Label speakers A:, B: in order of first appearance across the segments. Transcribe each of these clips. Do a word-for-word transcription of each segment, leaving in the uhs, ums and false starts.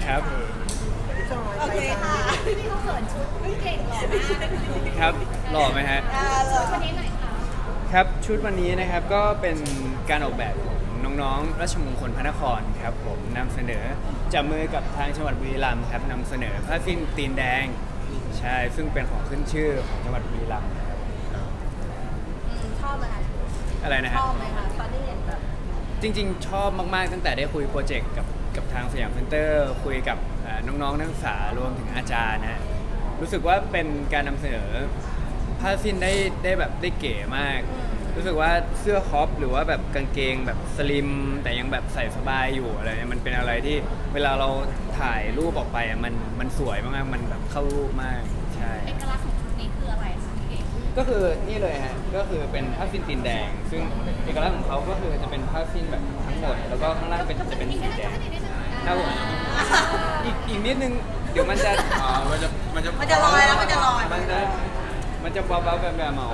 A: ครับ
B: โอเคค่ะพี่เขาเขินชุดพี่เก่งหล่อมาก
A: ครับหล่อไหมฮะ
B: ชุดวันนี้หน่อยค่ะ
A: ครับชุดวันนี้นะครับก็เป็นการออกแบบของน้องๆราชมงคลพระนครครับผมนำเสนอจับมือกับทางจังหวัดบุรีรัมย์ครับนำเสนอผ้าสิ้นตีนแดงใช่ซึ่งเป็นของขึ้นชื่อของจังหวัดบุรีรัมย์ครับ
B: ชอบไหมคะ
A: อะไรนะฮะ
B: ชอบไหมคะตอนที่เห็นแบบ
A: จริงๆชอบมากๆตั้งแต่ได้คุยโปรเจกต์กับกับทางสยามเซ็นเตอร์คุยกับน้องๆนักศึกษารวมถึงอาจารย์นะรู้สึกว่าเป็นการนำเสนอผ้าสิ้นได้ได้แบบได้เก๋มากรู้สึกว่าเสื้อคอปหรือว่าแบบกางเกงแบบสลิมแต่ยังแบบใส่สบายอยู่อะไรเนี่ยมันเป็นอะไรที่เวลาเราถ่ายรูปออกไปอ่ะมันมันสวยมากๆมันแบบเข้ารูปมากใช่
B: เอกลักษณ์ของชุดนี้คืออะไรคะพี่เก่ง
A: ก็คือนี่เลยฮะก็คือเป็นผ้าสิ้นตีนแดงซึ่งเอกลักษณ์ของเขาก็คือจะเป็นผ้าสิ้นแบบทั้งหมดแล้วก็ข้างล่างเป็นจะเป็นสีแดงครับผมอีกอีกนิดนึงเดี๋ยวมันจะ
C: อ๋อมันจะมันจะ
B: มันจะลอยแล้วมันจะลอย
A: มันจะมันจะเบาๆแบบแบบเมา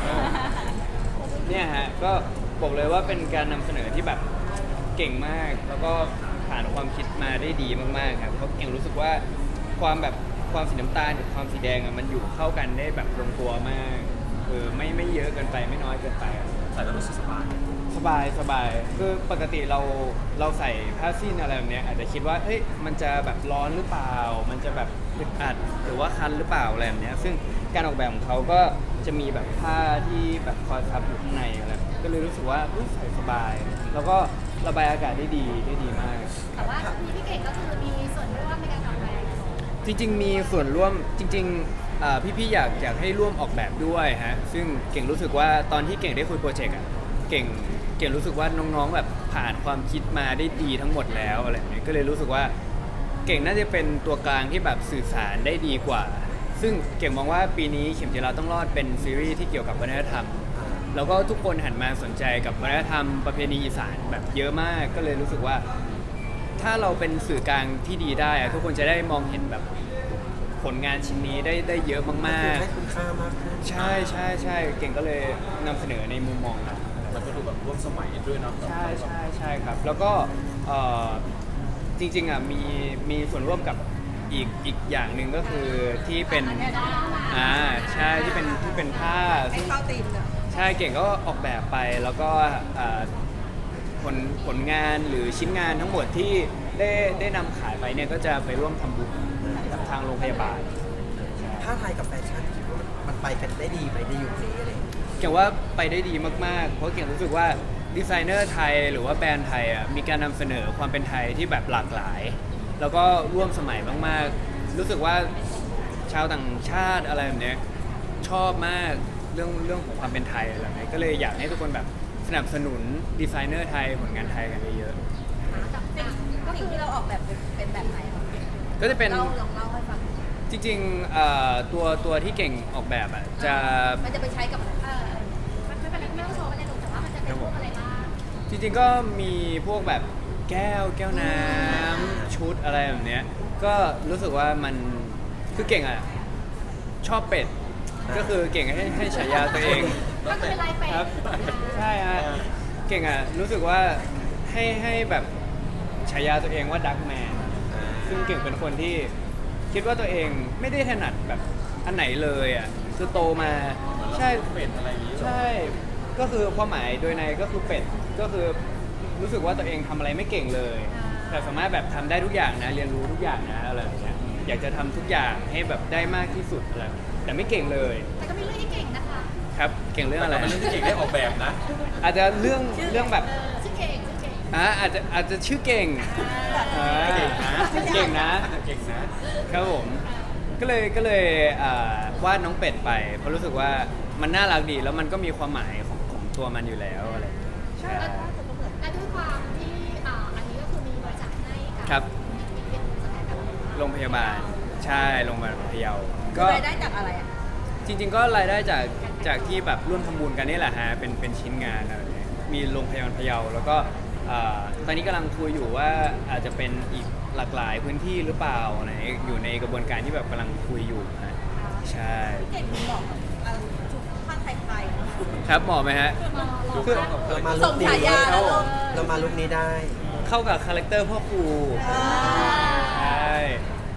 A: เนี่ยฮะก็บอกเลยว่าเป็นการนำเสนอที่แบบเก่งมากแล้วก็ผ่านความคิดมาได้ดีมากๆครับเพราะเก่งรู้สึกว่าความแบบความสีน้ำตาลกับความสีแดงอ่ะมันอยู่เข้ากันได้แบบลงตัวมากคือไม่ไม่เยอะเกินไปไม่น้อยเกินไป
C: ใส่แล้วรู้สึกสบาย
A: สบายสบายคือปกติเราเราใส่ผ้าสิ้นอะไรแบบเนี้ยอาจจะคิดว่าเฮ้ยมันจะแบบร้อนหรือเปล่ามันจะแบบอึดอัดหรือว่าคันหรือเปล่าอะไรแบบเนี้ยซึ่งการออกแบบของเขาก็จะมีแบบผ้าที่แบบคอยซับอยู่ข้างในอะไรก็เลยรู้สึกว่าใส่สบายแล้วก็ระบายอากาศได้ดีได้ดีมาก
B: แต่ว่ามีพี่เก่งก็คือมีส่วนร่วมในการออกแบบ
A: จริงๆมีส่วนร่วมจริงๆพี่ๆอยากอยากให้ร่วมออกแบบด้วยฮะซึ่งเก่งรู้สึกว่าตอนที่เก่งได้คุยโปรเจกต์อ่ะเก่งเก่งรู้สึกว่าน้องๆแบบผ่านความคิดมาได้ดีทั้งหมดแล้วอะไรแบบนี้ก็เลยรู้สึกว่าเก่งน่าจะเป็นตัวกลางที่แบบสื่อสารได้ดีกว่าซึ่งเก่งมองว่าปีนี้เข็มจีราต้องรอดเป็นซีรีส์ที่เกี่ยวกับวัฒนธรรมแล้วก็ทุกคนหันมาสนใจกับวัฒนธรรมประเพณีอีสานแบบเยอะมากก็เลยรู้สึกว่าถ้าเราเป็นสื่อกลางที่ดีได้ทุกคนจะได้มองเห็นแบบผลงานชิ้นนี้ได้ได้เยอะมากๆ
C: ให้คุณค่ามากขึ้น
A: ใช่ใช่ใช่เก่งก็เลยนำเสนอในมุมมองนั้น
C: มันก็ดูแบบร่วมสมัยด้วยเนาะ
A: ใช่ใช่ใช่ครับแล้วก็จริงๆอ่ะมีมีส่วนร่วมกับอีกอีกอย่างหนึ่งก็คือที่เป็นอ่าใช่ที่เป็นที่เป็นผ้า
B: ให้เข้าตีมเนอะ
A: ใช่เก่งก็ออกแบบไปแล้วก็ผลผลงานหรือชิ้นงานทั้งหมดที่ได้ได้นำขายไปเนี่ยก็จะไปร่วมทำบุญกับทางโรงพยาบาล
C: ผ้าไทยกับแฟชั่นคิดว่ามันไปกันได้ดีไหมในยุคนี้อะไร
A: เก่งว่าไปได้ดีมากๆเพราะเก่งรู้สึกว่าดีไซเนอร์ไทยหรือว่าแบรนด์ไทยอ่ะมีการนำเสนอความเป็นไทยที่แบบหลากหลายแล้วก็ร่วมสมัยมากๆรู้สึกว่าชาวต่างชาติอะไรแบบนี้ชอบมากเรื่องเรื่องของความเป็นไทยอะไรแบบนี้ก็เลยอยากให้ทุกคนแบบสนับสนุนดีไซเนอร์ไทยผลงานไทยกันเยอะ
B: ๆก็คือที่เราออกแบบเป็นแบบไหน
A: ก็จะเป็น
B: เล่าลองเล่าให้ฟัง
A: จริงๆตัวตัวที่เก่งออกแบบอ่ะจะ
B: มันจะไปใช้กับเออมันไม่เป็นไรไม่ต้องโชว์ไม่ได้ดูแต่ว่ามันจะเป็นพวกอะไรบ้าง
A: จริงๆก็มีพวกแบบแก้วแก้วน้ำชุดอะไรแบบเนี้ยก็รู้สึกว่ามันคือเก่งอ่ะชอบเป็ดก็คือเก่งให้ให้ฉายาตัวเอง
B: ก็คือเป็นลายเป็ด
A: ครับใช่ฮะเก่งอ่ะรู้สึกว่าให้ให้แบบฉายาตัวเองว่าดักแมนซึ่งเก่งเป็นคนที่คิดว่าตัวเองไม่ได้ถนัดแบบอันไหนเลยอ่ะคือโตมาใช่
C: เป็ดอะไรอย่างนี้
A: ใช่ก็คือความหมายโดยในก็คือเป็ดก็คือรู้สึกว่าตัวเองทำอะไรไม่เก่งเลยแต่สามารถแบบทำได้ทุกอย่างนะเรียนรู้ทุกอย่างนะอะไรอย่างเงี้ยอยากจะทำทุกอย่างให้แบบได้มากที่สุดอะไรแต่ไม่เก่งเลย
B: แต่ก็มีเรื่องที่เก่งนะคะ
A: ครับเก่งเรื่องอะไร
C: เรื่องที่เก่งได้ออกแบบนะ
A: อาจจะเรื่องเรื่องแบบ
B: ชื่อเก่งชื่อเก่ง
A: อ่าอาจจะอาจจะชื่อเก่ง
C: เก่งนะ
A: เก่งนะ
C: เก่ง
A: นะครับผมก็เลยก็เลยวาดน้องเป็ดไปเพราะรู้สึกว่ามันน่ารักดีแล้วมันก็มีความหมายของของตัวมันอยู่แล้วอะไร
B: ใช่และด้วยความที่อันนี้ก็คือมีบริจาคให้กับ
A: โรงพยาบาลใช่โรงพยาบาลพะเยา
B: ก็รายได้จากอะไรอ่ะ
A: จริงๆก็รายได้จากจากที่แบบร่วมทำบุญกันนี่แหละฮะเป็นเป็นชิ้นงานอะไรนี้มีโรงพยาบาลพะเยาแล้วก็ตอนนี้กำลังคุยอยู่ว่าอาจจะเป็นอีกหลากหลายพื้นที่หรือเปล่าไหนอยู่ในกระบวนการที่แบบกำลังคุยอยู่นะใช่
B: เก่งเหมาะกับชุดผ้าไทย
A: ๆครับเหมาะไหมฮะ
C: คือเรามาลุคนี้เรามาลุคนี้ได้
A: เข้ากับคาแรคเตอร์พ่อครูใช่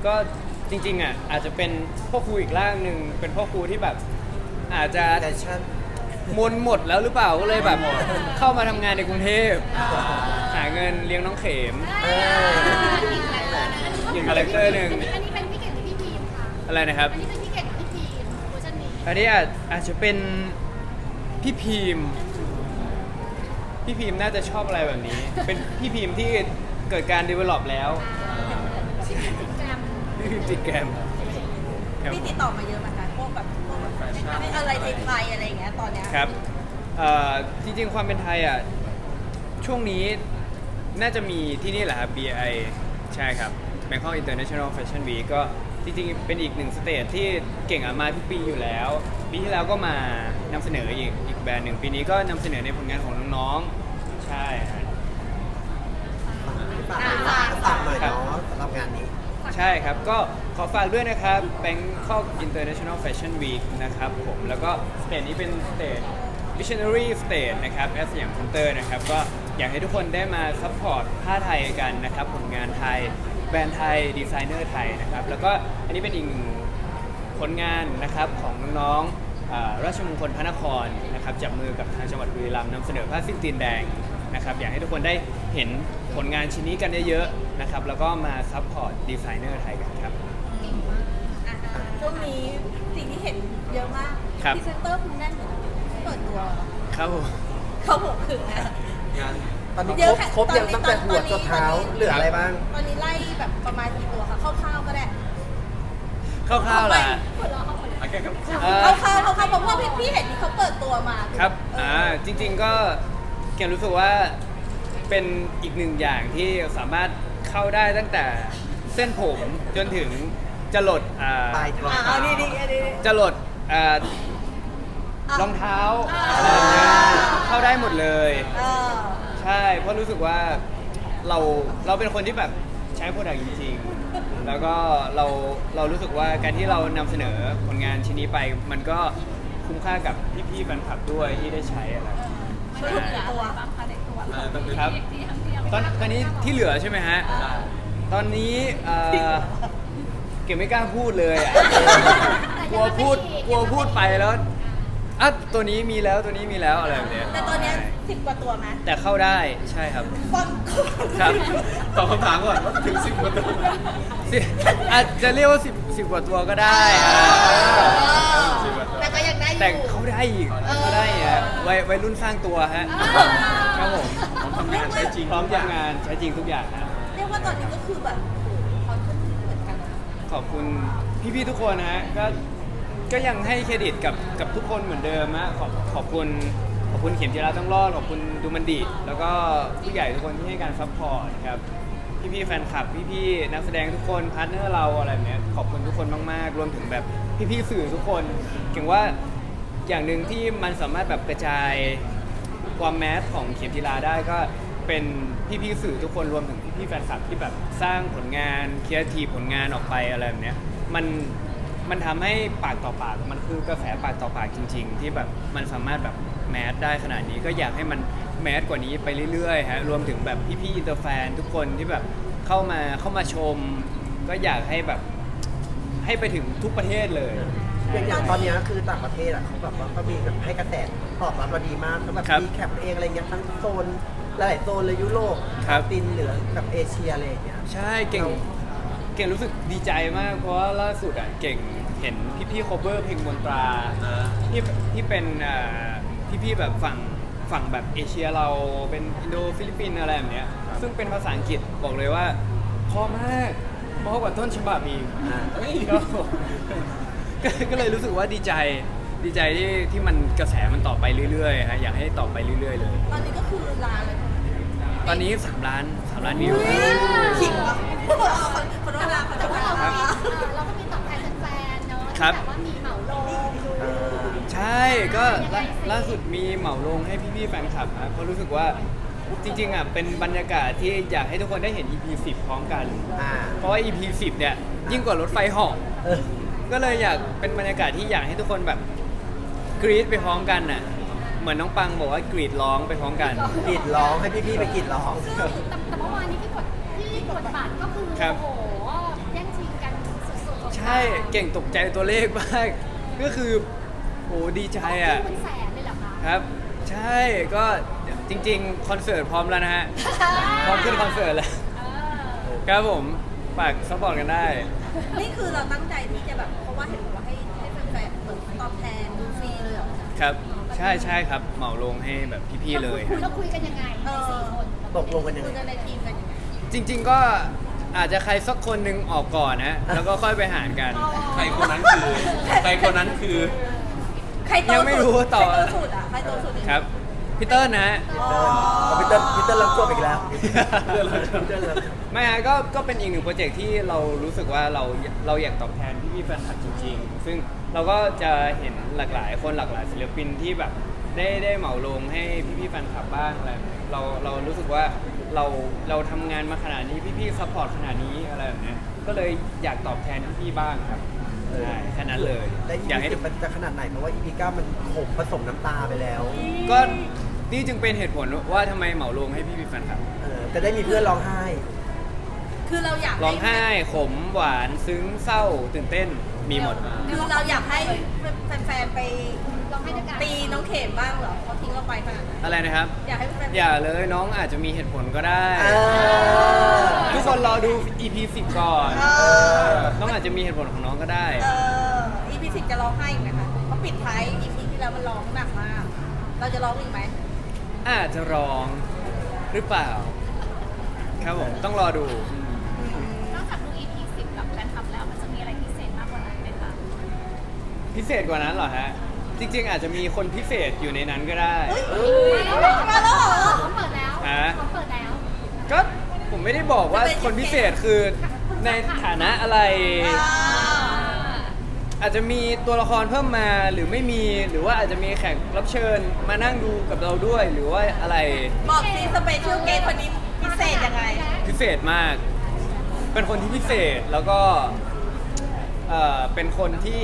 A: ก็จริงๆอ่ะอาจจะเป็นพ่อครูอีกร่างหนึ่งเป็นพ่อครูที่แบบอาจจะ
C: แฟชั่น
A: มนหมดแล้วหรือเปล่าก็เลยแบบเข้ามาทำงานในกรุงเทพหาเงินเลี้ยงน้องเข็ม
C: เออ
A: อีกคาแรคเตอร์หนึ่ง
B: อันนี้เป็นพี่เก่งหรือพี่พีมคะ
A: อะไรนะครับ
B: อันนี้เป็นพี่เก่งหรือพี่พีมเวอร์ชันนี้
A: อันนี้อาจอาจจะเป็นพี่พีมพี่พีมน่าจะชอบอะไรแบบนี้ เป็นพี่พีมที่เกิดการ develop แล้ว
B: ชื่อติดแกรม
A: พี่พีมติดแกรมครับ
D: พี่ติดต่อมาเยอะเหมือนกันพวกแบบพวกแบบไม่อะไรไทยๆอะไรอย่างเงี้ยตอนเนี้ย
A: ครับเอ่อจริงๆความเป็นไทยอ่ะช่วงนี้น่าจะมีที่นี่แหละครับ บี ไอ ใช่ครับ Bangkok International Fashion Week ก็จริงๆเป็นอีกหนึ่งสเตจที่เก่งอะมาทุกปีอยู่แล้ว ปีที่แล้วก็มานำเสนออีกอีกแบรนด์หนึ่งปีนี้ก็นำเสนอในผลงานของน้องๆ ใช่ครับ
C: ฝากฝากหน่อยเนาะสำหรับงานนี้
A: ใช่ครับ ก็ขอฝากด้วยนะครับ Bangkok International Fashion Week นะครับผมแล้วก็สเตจนี้เป็นสเตจ Visionary Stage นะครับแอสยามเซ็นเตอร์นะครับก็อยากให้ทุกคนได้มาซัพพอร์ตผ้าไทยกันนะครับผลงานไทยแบรนด์ไทยดีไซเนอร์ไทยนะครับแล้วก็อันนี้เป็นอีกหนึ่งผลงานนะครับของน้องๆอ่าราชมงคลพระนครนะครับจับมือกับทางจังหวัดบุรีรัมย์นำเสนอผ้าสิ้นตีนแดงนะครับอยากให้ทุกคนได้เห็นผลงานชิ้นนี้กันเยอะๆนะครับแล้วก็มาซัพพอร์ตดีไซเนอร์ไทยกันครับ
D: อ่ะช่วงนี้สิ่งที่เห็นเยอะมาก
A: ครับ
D: พรีเซนเตอร์คุณแน่นเหมือนกันเปิดตัว
A: ครับผม
D: เขาบอกถึงนะ
C: ตอนนี้
D: เย
C: คร
D: อะ
C: บ
D: ค่ะ
C: ครบยัง
D: ตอนนี้
C: ตั้งแต่หัว
D: ตอนนี้
C: จนเท้า
D: ตอนนี้
C: เหลืออะไรบ้าง
D: ตอนนี้ไล่แบบประมาณกี่ตัวคะคร่าวๆก็ได้
A: คร่าวๆล่ะ
B: หัวเราะเขาหมดเลย
A: เอ่อ
D: คร่าวๆคร่าวๆเพราะว่าพี่พี่เห็นที่เขาเปิดตัวมา
A: ครับ อ่า จริงๆ ก็เก่งรู้สึกว่าเป็นอีกหนึ่งอย่างที่สามารถเข้าได้ตั้งแต่เส้นผมจนถึงจะหลดอ่า
C: ปลายเท้า
D: อ่าเอาดีดีๆอันนี้
A: จะหลดอ่า
D: อ่ะ
A: รองเท้า
D: อ่า
A: อะไรอย่างเงี้ยเข้าได้หมดเลย
D: เออ
A: ใช่ เพราะรู้สึกว่าเราเราเป็นคนที่แบบใช้โปรดักต์จริงๆ แล้วก็เราเรารู้สึกว่าการที่เรานำเสนอผลงานชิ้นนี้ไป มันก็คุ้มค่ากับพี่ๆแฟนคลับด้วยที่ได้ใช้อะไร
D: สรุปกี่ตัว
A: ครับตอนตอนนี้ที่เหลือใช่ไหมฮะ ตอนนี้เอ่อเก็บไม่กล้าพูดเลยอ่ะ กลัวพูดกลัวพูดไปแล้วอ่ะตัวนี้มีแล้วตัวนี้มีแล้วอะไรแบบเนี้ย
D: แต่ตอนเนี้ยสิบกว่าตัวไหม
A: แต่เข้าได้ใช่ครับ
D: ฟอน
A: ครับ
E: ตอบคำถามก่อนว่าถึงสิบกว่าตัว
A: สิอาจจะเรียกว่าสิบสิบกว่าตัวก็ได้ฮะ
D: แต่ก็ยังได้อยู่
A: แต่เข้าได้อีกเข้าได้อีกฮะวัยวัยรุ่นสร้างตัวฮะครับผม
E: ผมทำงานใช้จริง
A: พร้อมทำงานใช้จริงทุกอย่างฮะ
D: เรียกว่าตอนนี้ก็คือแบบโอ้โหเขาขึ้นเหมือนกัน
A: ขอบคุณพี่ๆทุกคนนะฮะก็ก็ยังให้เครดิตกับกับทุกคนเหมือนเดิมฮะขอบขอบคุณขอบคุณเข็มจิราต้องรอดขอบคุณดูมันดิแล้วก็ผู้ใหญ่ทุกคนที่ให้การซัพพอร์ตครับพี่ๆแฟนคลับพี่ๆนักแสดงทุกคนพาร์ทเนอร์เราอะไรแบบเนี้ยขอบคุณทุกคนมากๆรวมถึงแบบพี่ๆสื่อทุกคนเก่งว่าอย่างหนึ่งที่มันสามารถแบบกระจายความแมสของเข็มจิราได้ก็เป็นพี่ๆสื่อทุกคนรวมถึงพี่ๆแฟนคลับที่แบบสร้างผลงานครีเอทีฟผลงานออกไปอะไรแบบเนี้ยมันมันทำให้ปากต่อปากมันคือกระแสปากต่อปากจริง ๆ ที่แบบมันสามารถแบบแมสได้ขนาดนี้ก็อยากให้มันแมสกว่านี้ไปเรื่อยๆฮะรวมถึงแบบพี่ๆอินเตอร์แฟนทุกคนที่แบบเข้ามาเข้ามาชม ก็อยากให้แบบให้ไปถึงทุกประเทศเลย
C: อย่างตอนเนี้ยคือต่างประเทศอ่ะเขาแบบว่าก็มีแบบให้กระแสตอบรับมาดีมากเขาแบบ
A: ครับ
C: มีแคปเองอะไรเงี้ยทั้งโซนหลายๆโซนเลยยุโรป
A: ครับ
C: ตินเหลือแบบเอเชียอะไรอย่างเงี้ย
A: ใช่เก่งเก่งรู้สึกดีใจมาก เพราะว่าล่าสุดอ่ะเก่งเห็นพี่ๆ cover เพลงมนตราที่ที่เป็นอ่าพี่ๆแบบฝั่งฝั่งแบบเอเชียเราเป็นอินโดฟิลิปปินส์อะไรแบบเนี้ยซึ่งเป็นภาษาอังกฤษบอกเลยว่าเพอมากเพราะกว่าต้นฉบับอีก
C: อ่า
A: เฮ้ยก็ก็ก็เลยรู้สึกว่าดีใจดีใจที่ที่มันกระแสมันต่อไปเรื่อยๆฮะอยากให้ต่อไปเรื่อยๆเลย
D: ตอนนี้ก็คือลาเลย
A: ตอนนี้สามล้านสามล้านวิว
D: ขิงวะคนละลาคน
B: แต่
D: ละ
B: ว่า
D: ลา
B: เราก็มีเอ่อเราก็มีตอบแทนแฟนๆเนาะ
A: ครับ
B: ที่แบบว่ามีเหมาลง
C: เออ
A: ใช่ก็ล่าล่าสุดมีเหมาลงให้พี่ๆแฟนคลับนะเพราะรู้สึกว่าจริงๆอ่ะเป็นบรรยากาศที่อยากให้ทุกคนได้เห็น อี พี สิบพร้อมกัน
C: อ่า
A: เพราะว่า อี พี สิบเนี่ยยิ่งกว่ารถไฟเหาะ
C: เออ
A: ก็เลยอยากเป็นบรรยากาศที่อยากให้ทุกคนแบบกรี๊ดไปพร้อมกันน่ะเหมือนน้องปังบอกว่ากรีดร้องไปพร้อมกัน
C: กรีดร้องให้พี่ๆไปกรีดร้อง
B: ซึ่งแต่แต่เมื่อวานนี้ที่กดที่กดบัตรก็คือ
A: ครับ
B: โอ้โหแย่งชิงกัน
A: ช่เก่งตกใจตัวเลขมากก็คือโอ้ดีใจอ่ะ
B: เป็นแสนเลยเหรอคะ
A: ครับ ใช่ก็จริงๆคอนเสิร์ตพร้อมแล้วนะฮะพร้อมขึ้นคอนเสิร์ตแล้ว
B: เออ
A: ครับผมฝากซัพพอร์ตกันได้
D: นี่คือเราตั้งใจที่จะแบบเพราะว่าเห็นบอกว่าให้ให้แฟนๆเหมือนตอบแทนดูฟรีเลยเหรอ
A: ครับ ใช่ใช่ครับเหมาลงให้แบบพี่ๆเลย
B: คุยเราคุยกันยังไงในสี่คน
C: ตกลงกันยัง
D: คุย
C: ไง
D: กันในทีมกันยังไง
A: จริง ๆก็อาจจะใครสักคนหนึ่งออกก่อนนะแล้วก็ค่อยไปหารกัน
E: ใครคนนั้นคือ ใครคนนั้นคือ
D: ใครโต
A: ยังไม่รู้ว่าต่อ
D: ใครโตสุดอ่ะใครโตสุดในทีม
A: ครับพี่เติ้ลนะฮะ
D: อ๋อ
C: พีเตอร์พีเตอร์รับจบอีกแล้วพีเตอร์รับ
A: ไม่ฮะก็ก็เป็นอีกหนึ่งโปรเจกต์ที่เรารู้สึกว่าเราเราอยากตอบแทนพี่พี่ๆแฟนคลับจริงๆ ซึ่งเราก็จะเห็นหลากหลายคนหลากหลายศิลปินที่แบบได้ได้เหมาลงให้พี่พี่ๆแฟนคลับบ้างอะไรแบบนี้เราเรารู้สึกว่าเราเราทำงานมาขนาดนี้พี่พี่ซัพพอร์ตขนาดนี้อะไรแบบเนี้ยก็เลยอยากตอบแทนพี่พี่ๆบ้างครับใช่แค่นั้นเลย
C: และอี
A: อยาก
C: พี
A: ให้
C: สิบมันจะขนาดไหนเพราะว่าอีพีเก้ามันขมผสมน้ำตาไปแล้ว
A: ก็นี่จึงเป็นเหตุผลว่าทำไมเหมาลงให้พี่พี่ๆแฟนคลับ
C: เออจะได้มีเพื่อนร้องไห้
D: คือเราอยาก
A: ร้องไห้ขมหวานซึ้งเศร้าตื่นเต้นมีหมด
D: คือเราอยากให้แฟนๆไป
B: ลองให้ด้วยกัน
D: ตีน้องเข็มบ้างเหรอเขาทิ้งเราไปขนาดนั้น
A: อะไรนะครับ
D: อยากให้แฟนๆ
A: อย่าเลยน้องอาจจะมีเหตุผลก็ได้
C: เออ
A: ทุกคนรอดู อี พี สิบก่อน
D: เออ
A: น้องอาจจะมีเหตุผลของน้องก็ได้
D: เออ อี พี สิบจะร้องไห้อีกไหมคะเพราะปิดท้าย อี พี ที่แล้วมันร้องหนักมาก เราจะร้องอีกไหม
A: อาจจะร้องหรือเปล่า ครับผมต้องรอดู
B: นอกจากดู อี พี สิบกับแฟนคลับแล้วมันจะมีอะไรพิเศษมากกว่านั้นไหมคะ
A: พิเศษกว่านั้นเหรอฮะ จริง ๆ อาจจะมีคนพิเศษอยู่ในนั้นก็ได้
B: มาแล้วเหรอเขาเปิดแล้ว
A: ฮะ
B: เขาเปิดแล้ว
A: ก็ผมไม่ได้บอกว่าคนพิเศษคือในฐานะอะไร อาจจะมีตัวละครเพิ่มมาหรือไม่มีหรือว่าอาจจะมีแขกรับเชิญมานั่งดูกับเราด้วยหรือว่าอะไร
D: บอกซีสเปเชียลเกสคนนี้พิเศษยังไง
A: พิเศษมาก เป็นคนที่พิเศษแล้วก็เอ่อเป็นคนที่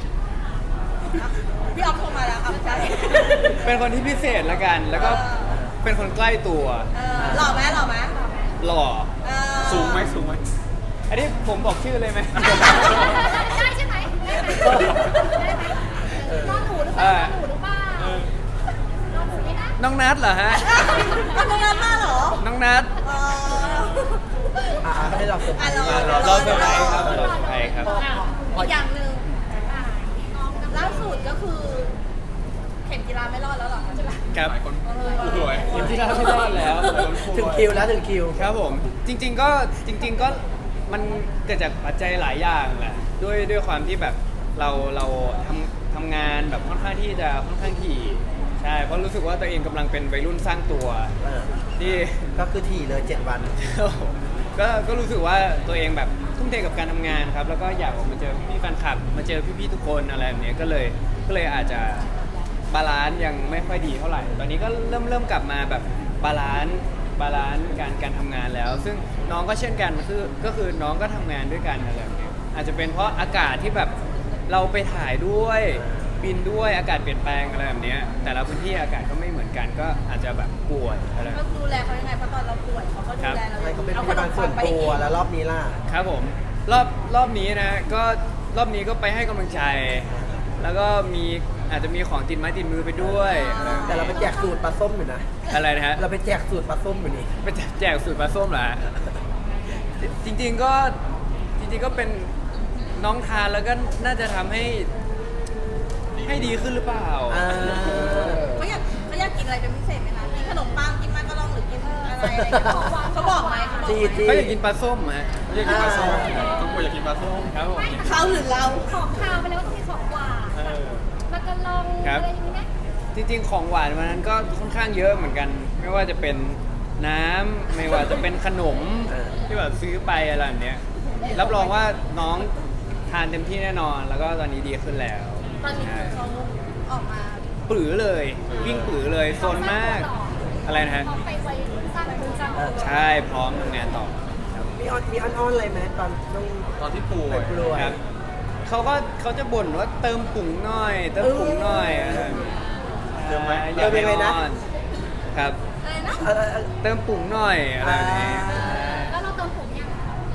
D: พี่ออฟโทรมาแล้วเอาใช่
A: เป็นคนที่พิเศษละกัน แล้วก็เป็นคนใกล้ตัว
D: เออหล่อไหมหล่อไหม
A: หล่อ
D: เออ
E: สูงไหมสูงไหม
A: อันนี้ผมบอกชื่อเลยไหม
B: ได้ใช่ไหมได้ไหมได้ไหมนอนหนูหรือเปล่านอนหนูหรือเปล่านอนหนูไหมนะ
A: น้องนัทเหรอฮะ
D: เอาตรงนั้นมาเหรอ
A: น้องนัท
D: เออ
C: อ่าให้เราเสร็จ
D: อ่ะรอ
A: เราเซอร์ไพรส์ครับเราเซอร์ไพรส์ครับ
D: อีกอย่างหนึ่ง
B: อ่าน้องน้ำ
D: ล่าสุดก็คือ เข็มกีฬาไม่รอดแล้วเหรอคะ
A: ครับ
E: หลายคนรวย
A: เห็นที่เราไม่รอดแล้ว
C: ถึงคิวแล้วถึงคิว
A: ครับผมจริง ๆ ก็จริง ๆ ก็มันเกิดจากปัจจัยหลายอย่างแหละด้วยด้วยความที่แบบเราเราทำทำงานแบบค่อนข้างที่จะค่อนข้างถี่ใช่เพราะรู้สึกว่าตัวเองกำลังเป็นวัยรุ่นสร้างตัว
C: เออ
A: ที่
C: ก็คือถี่เลยเจ็ดวัน
A: ก็ก็รู้สึกว่าตัวเองแบบทุ่มเทกับการทำงานครับ แล้วก็อยากออกมาเจอพี่ๆแฟนคลับ มาเจอพี่ๆทุกคนอะไรแบบเนี้ยก็เลยก็เลยอาจจะบาลานซ์ยังไม่ค่อยดีเท่าไหร่ ตอนนี้ก็เริ่มเริ่มกลับมาแบบบาลานซ์บาลานซ์การการทำงานแล้ว ซึ่งน้องก็เช่นกันคือก็คือน้องก็ทำงานด้วยกันอะไรแบบเนี้ยอาจจะเป็นเพราะอากาศที่แบบเราไปถ่ายด้วยบินด้วยอากาศเปลี่ยนแปลงอะไรแบบเนี้ยแต่ละพื้นที่อากาศก็ไม่เหมือนกันก็อาจจะแบบป่วยอะไร
D: ก็ดูแลเขายังไงเพราะตอนเราป่วยเขาก็ดูแลเรา
C: ใช่เขาเป็น
D: เอา
C: พยาบาลส่วนตัวแล้วรอบนี้ล่ะ
A: ครับผมรอบรอบนี้นะก็รอบนี้ก็ไปให้กำลังใจ แล้วก็มีอาจจะมีของติดไม้ติดมือไปด้วย
C: แต่เราไปแจกสูตรปลาส้มอยู่นะ
A: อะไรนะฮะ
C: เราไปแจกสูตรปลาส้มอยู่นี่
A: ไปแจกสูตรปลาส้มเหรอฮะจริง ๆก็จริงๆก็เป็นน้องทานแล้วก็น่าจะทำให้ให้ดีขึ้นหรือเปล่า
C: อ่า
D: เขาอยากเขาอยากกินอะไรเป็นพิเศษไหมคะกินขนมปังกินมากระลองหรือกินอะไรอะไรอย่างเงี้ยเขาบอกไหมเขาบอก
C: จี
D: ไหม
C: จี
A: เขาอยากกินปลาส้มฮะ
E: อยากกินปลาส้มทุกคนอยากกินปลาส้ม
A: ครับผม
D: เขาหรือเรา
B: ของคาวไปแล้วก็ต้องมีของหวาน
A: เออ
B: แล้วก็ลอง
A: ครับ
B: อะไรอย่างนี้ไหม
A: จริงๆของหวานวันนั้นก็ค่อนข้างเยอะเหมือนกัน ไม่ว่าจะเป็นน้ำไม่ว่าจะเป็นขนมที่แบบซื้อไปอะไรแบบเนี้ยรับรองว่าน้องทานเต็มที่แน่นอน แล้วก็ตอนนี้ดีขึ้นแล้ว
D: ตอนนี้คือเขาออกมา
A: ปรือเลยวิ่งปรือเลยโซนมากอะไรนะฮะ
B: พร้อมไปไว้สร้างมือสร้างตัว
A: ใช่พร้อมทำงานต่อ
C: มีออนมีออนออนอะไรไหมตอนต้อง
E: ตอนที่ป่ว
C: ไป
E: ย
C: กลัว
A: ครับเขาก็เขาจะบ่นว่าเติมปุ๋งหน่อย เติมปุ๋งหน่อยอะไรแบบนี้
E: เติมไหม
A: อยากให้อ้อนครับ
D: อะไรนะ
C: เออเออ
A: เติมปุ๋งหน่อยอะไรแบบนี้
C: อ่า
B: แล้วเราเติมผมยัง
A: ก็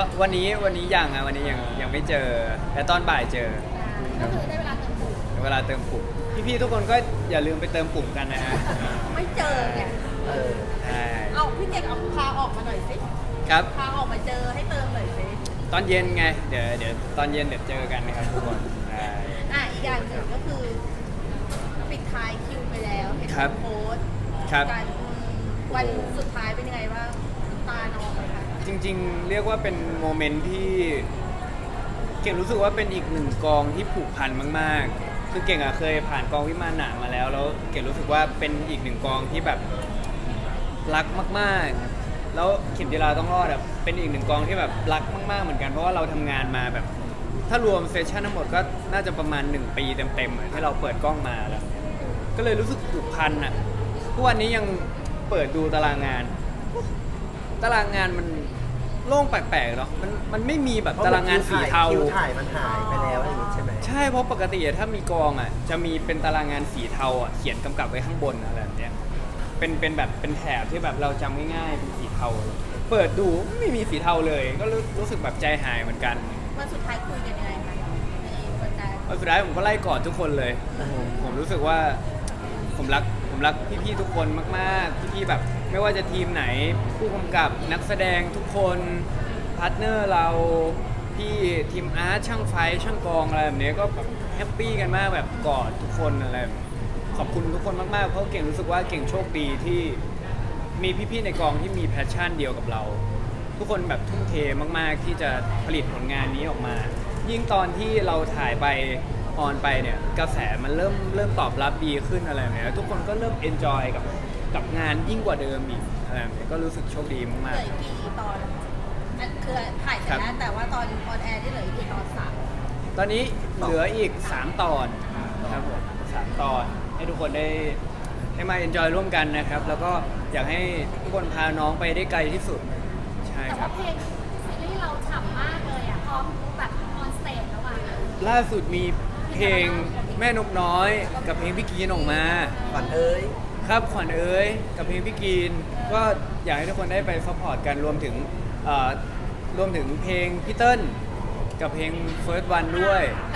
A: ว่าวันนี้วันนี้ยังอ่ะวันนี้ยังยังไม่เจอแต่ตอนบ่ายเจอ
B: ก็คือได้เวลาเติมปุ่ม
A: เวลาเติมปุ่มพี่ๆทุกคนก็อย่าลืมไปเติมปุ่มกันนะฮะ
D: ไม่เจอไง
C: เออ
A: ใช่
D: เอาพี่เก่งเอาพาออกมาหน่อยสิ
A: ครับ
D: พาออกมาเจอให้เติมหน่อยสิ
A: ตอนเย็นไงเดี๋ยวเดี๋ยวตอนเย็นเดี๋ยวเจอกันนะครับทุกคนใช่
D: อ่ะอีกอย่างหนึ่งก็คือปิดท้ายคิวไปแล้วเห็น
A: ครับ
D: โพสต์
A: ครับ
D: การวันสุดท้ายเป็นยังไงบ้างน้ำตาน้องไหมคะ
A: จริงๆ เรียกว่าเป็นโมเมนต์ที่เก่งรู้สึกว่าเป็นอีกหนึ่งกองที่ผูกพันมากๆ คือเก่งอะเคยผ่านกองวิมานหนามมาแล้วแล้วเก่งรู้สึกว่าเป็นอีกหนึ่งกองที่แบบรักมากๆ แล้วเข็มจีราต้องรอดอะเป็นอีกหนึ่งกองที่แบบรักมากๆเหมือนกันเพราะว่าเราทำงานมาแบบ ถ้ารวมเซสชั่นทั้งหมดก็น่าจะประมาณหนึ่งปีเต็มๆอะที่เราเปิดกล้องมาแล้ว ก็เลยรู้สึกผูกพันอะทุกวันนี้ยังเปิดดูตารางงาน ตารางงานมันโล่งแปลกๆเนาะ มันมันไม่มีแบบตารางงานสีเทา
C: คิวถ่ายมันหายไปแล้วอะไรอย่างงี้ใช่ไหม
A: ใช่เพราะปกติอะถ้ามีกองอ่ะจะมีเป็นตารางงานสีเทาอ่ะเขียนกำกับไว้ข้างบนอะไรแบบเนี้ยเป็นเป็นแบบเป็นแถบที่แบบเราจำง่ายๆเป็นสีเทา เปิดดูไม่มีสีเทาเลย ก็รู้รู้สึกแบบใจหายเหมือนกัน
D: วันสุดท้ายคุยกันยังไงคะในวันนั้น
A: วันสุดท้ายผมก็ไล่กอดทุกคนเลยผมผมรู้สึกว่าผมรักผมรักพี่ๆทุกคนมากๆพี่ๆแบบไม่ว่าจะทีมไหนผู้กำกับนักแสดงทุกคนพาร์ทเนอร์เราพี่ทีมอาร์ตช่างไฟช่างกองอะไรแบบนี้ก็แบบแฮปปี้กันมากแบบกอดทุกคนอะไรแบบนี้ขอบคุณทุกคนมากๆเพราะเก่งรู้สึกว่าเก่งโชคดีที่มีพี่ๆในกองที่มีแพชชั่นเดียวกับเรา ทุกคนแบบทุ่มเทมากๆที่จะผลิตผลงานนี้ออกมา ยิ่งตอนที่เราถ่ายไปออนไปเนี่ยกระแสมันเริ่มเริ่มตอบรับดีขึ้นอะไรแบบนี้แล้วทุกคนก็เริ่มเอนจอยกับกับงานยิ่งกว่าเดิมอีกอะไรแบบนี้ก็รู้สึกโชคดี
D: เห
A: มาก
D: ลืออีกกี่ตอนอันคือถ่ายเสร็จแล้วแต่ว่าตอนออนแอร์ที่เหลืออีกกี่ตอนสาม
A: ๆ ตอนนี้เหลืออีกสามตอนครับผมสามตอนให้ทุกคนได้ได้มาเอนจอยร่วมกันนะครับ แล้วก็อยากให้ทุกคนพาน้องไปได้ไกลที่สุดใช่
B: แต่
A: ครั
B: ว่า
A: บ
B: เพลงซีรีส์เราฉ่ำมากเลยอ่ะพร้อมแบบออนสเตจแล้วอ่ะ
A: ล่าสุดมีเพลงแม่นกน้อยกับเพลงพี่กีนออกมา
C: ขวัญเอ้ย
A: ครับขวัญเอ๋ยกับเพลงพี่กีนก็อยากให้ทุกคนได้ไปซัพพอร์ตกันรวมถึงเอ่อรวมถึงเพลงพี่เติ้ลกับเพลง First One ด้วย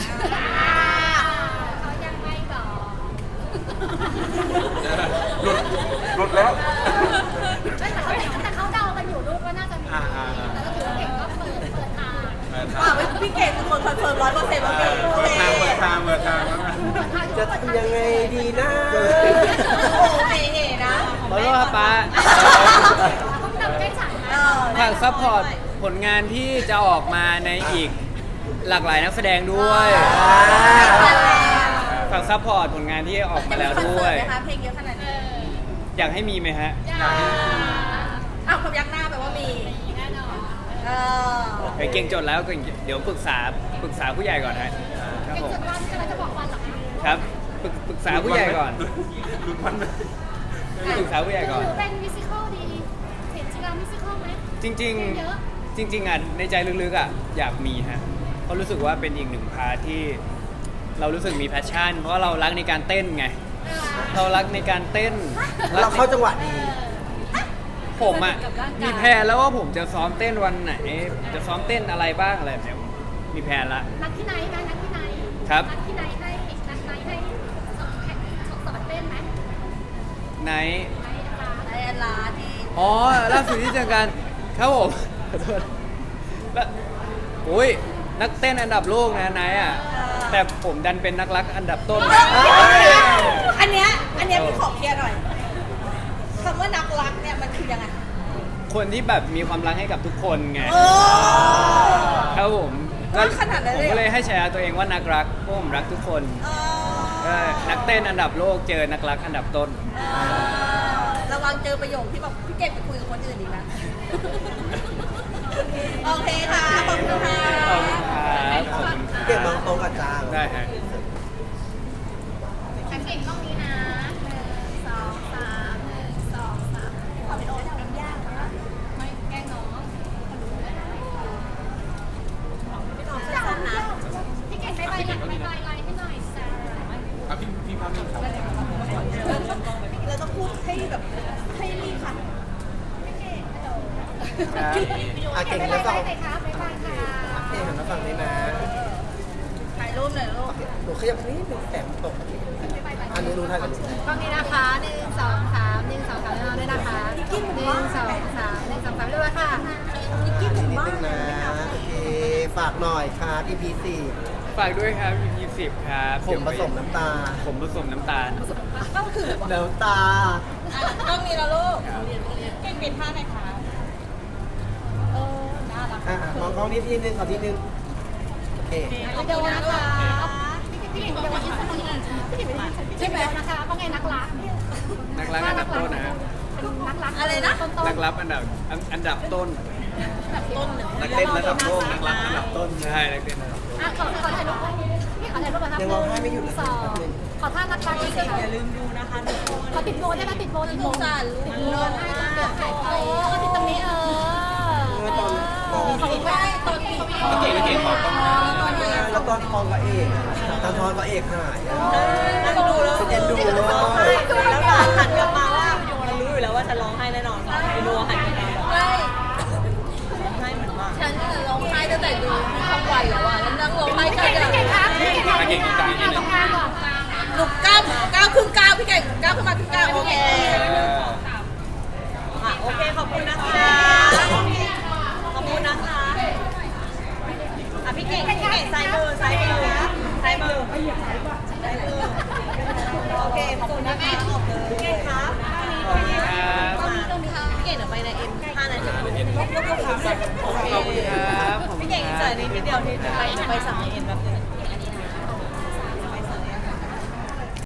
B: เขายังไม่บอก
E: หลุดหลุดแล้ว
B: แต่เขาแต่เขาเดากันอยู่ลูกว่าน่าจะมี
E: อ่าอ่าอ่า
B: แต่ก็ถือว่าเก่งก็เปิดเปิดทาง
E: เปิด
D: ว่า
E: ทาง
D: ไม่พี่เก่งเป็นคนคอนเฟิร์มร้อยเปอร์เซ็นต์ว่าเก่ง
E: เปิดทางเปิดทางเปิดทางแล้วนะ
B: เปิดทาง
C: จะทำยังไงดีนะ
D: โอ้เฮ่เฮ่นะ
A: ขอโทษครับป้า
B: ต้องนำใกล้ฉัน
D: เอ
B: นะ
D: อ
A: ฝากซัพพอร์ตผลงานที่จะออกมาในอีกหลากหลายนักแสดงด้วย ฝากซัพพอร์ตผลงานที่ออกมาแล้วด้วย
D: จะมีคอนเสิร์ตไหมคะเพลงเยอะขนาดนี้
A: อยากให้มีไหมฮะ
D: อ้าวความยักหน้าแปลว่ามี
B: แน่นอน
D: เออ
A: ไปเก่งจดแล้วก็เดี๋ยวปรึกษาปรึกษาผู้ใหญ่ก่อนฮะครับ
B: เก่ง
A: ผม
B: สุดวันกำลังจะบอกวันหรอคะ
A: ครับปรึกปรึกษาผู้ใหญ่ก่อน
E: หลุดมันไหม
A: ปรึกษาผู้ใหญ่ก่อน
B: หรือเป็นมิวสิควลดีเห็นจิรามิวสิควลไหม
A: จริง
B: เยอะ
A: ๆ จริง ๆอ่ะในใจลึกๆอ่ะอยากมีฮะเพราะรู้สึกว่าเป็นอีกหนึ่งพาร์ทที่เรารู้สึกมีแพชชั่น เพราะว่าเรารักในการเต้นไง เรารักในการเต้น
C: เราเข้าจังหวะดี
A: ผมอ่ะมีแพลนแล้วว่าผมจะซ้อมเต้นวันไหน จะซ้อมเต้นอะไรบ้างอะไรแบบเนี้ยมีแพลนละ
B: นัดที่ไหนนะนัดที่ไหน
A: ครับ
B: นัดที่ไหนให้นัดไหนให้สอนแข่งสอนเต้นไหม
A: ไหน
B: ไหนนะคะ
D: ไอแอนลาที่
A: อ๋อล่าสุดที่เจอกันครับผมขอโทษแล้วโอ้ยนักเต้นอันดับโลกนะนายอ่ะแต่ผมดันเป็นนักรักอันดับต้นนะ
D: อันเนี้ยอันเนี้ยพี่ขอเคลียร์หน่อยคำว่านักรักเนี่ยมันคือยังไง
A: คนที่แบบมีความรักให้กับทุกคนไง
D: โอ้
A: ครับผมก็
D: ขนาดนั้น
A: ผ
D: เลย
A: ม
D: เหรอ
A: ก็เลยให้ฉายาตัวเองว่านักรักเพราะผมรักทุกคน
D: เอ
A: ก็
D: อ
A: นักเต้นอันดับโลกเจอนักรักอันดับต้น
D: เออระวังเจอประโยคที่แบบพี่เก่งไปคุยกับคนอื่นอีกนะ โอเคค่ะ ขอบคุณค่ะ
A: ขอบคุณครับขอบคุณครับ
C: เก็บมองตรงกับจ้าง
A: ได้ฮะ
B: แข่งเก่งต้องนี้นะหนึ่งสองสามหนึ่งสองสามขอเป็นโอ๊ตทำยากนะไม่แกล้งน้อง
D: พี่น้องสั้นๆนะ
B: พี่เก่งไปไปหลังไปไปไลน์ให้หน่อยแซร์
E: อ่ะพี่พี่ภาพนิ่งครับ
D: เราต้องพูดให้แบบให้รีบค่ะ
B: พี่เก่งกระโดด
A: ครับ
C: อ่ะเก่ง
B: ไม่
C: แล้ว
B: ได้
C: ก็
B: เลยครับไม่ได้ค่ะ
C: เก่งหันมาฝั่งนี้นะ
D: ถ่ายรูปหน่อยลูก
C: หนูขยับนิดนึงแสงตกอันนี้รู้ทันกัน
B: กล้องนี้นะคะหนึ่งสองสามหนึ่งสองสามแล้วด้วยนะคะหนึ่งสองสามหนึ่งสองสามด้วยค่ะ
C: นิดนึงนะโอเคฝากหน่อยครับ อี พี สี่
A: ฝากด้วยครับ อี พี สิบครับ
C: ผมผสมน้ำตา
A: ผมผสมน้ำตาล
D: ก็คือ
C: น้ำตา
D: อ่ะต้องมีแล้วลูก
A: ครับ
D: เก่งเป็นท่าไหนคะเออน่ารัก
C: อ่ะมองกล้องนิดทีนึงขอทีนึงโอเค
B: เดี๋ยวนะคะพี่เก่งเดี๋ยววันนี้สักหน่อยใช่ไหมนะคะว่าไงนักรัก
A: นักรักอันดับต้นนะฮะ
B: เป็นนักรัก
D: อะไรนะ
B: ต้น
A: นักรับอันดับอันอันดับต้น
D: ต้นหนึ่ง
A: นักเต้นระดับโลกนักรับอันดับต้นใช่นักเต้นระดับโลก
B: อ่ะขอขอถ่ายรูปพี่ขอถ่ายรูปนะครับ
C: ยังร้องไห้ไม่หยุดเลย
B: สองขอท่านักรักอีกค่ะ
D: อย่าลืมดูนะคะทุกคน
B: ขอติดโบได้ไหมติดโบติดโบ
D: สงสารลูก
B: ติดโบให้ต้องเดือดถ่ายเออติดตรงนี้เออ
C: เมื่อตอนมอง
D: ขอบคุณไม่ตอนนี้
A: เก่งเก่งขอต้อง
D: ตอนนี้
C: แล้วตอนทองกับเอกตอนทองกับเอกหายอ่ะ
D: นั่งดูแล้ว
C: ฉันเอ็นดูเลย
D: แล้วหลานหันกลับมาว่ามันรู้อยู่แล้วว่าฉันร้องไห้แน่นอนไปดูหันกลับมาใช่ร้องไห้เหมือนมากฉันร้องไห้ตั้งแต่ดูทั้งวันแล้วอ่ะแล้วนั่งร้องไห้
B: พี่
D: กัน
B: เก่งพี่เก่งครับพี่เก่งครับ
A: เก่งตรงกลางนิดนึ
B: ตรง งกลางก่อน
D: หนุกก้าวก้าวครึ่งก้าวพี่เก่งก้าวขึ้นมาครึ่งก้าวโอเคอ่ะโอเคขอบคุณนะคะขอบคุณนะคะอ่ะพี่เก่งพี่เก่งซ้ายมือซ้ายมือซ้ายมือซ้ายมือโอเคขอบคุณนะคะขอบคุณพี่เก่งครับ
A: ครับ
D: พี่เก่งเดี๋ยวไปในเอ็มห้านาทียกยกยกขาโอเค
A: ขอบคุณครับ
D: พี่เก่งเจอนี้นิดเดียวที่จะไปจะไปสั่งในเอ็นแบบนึง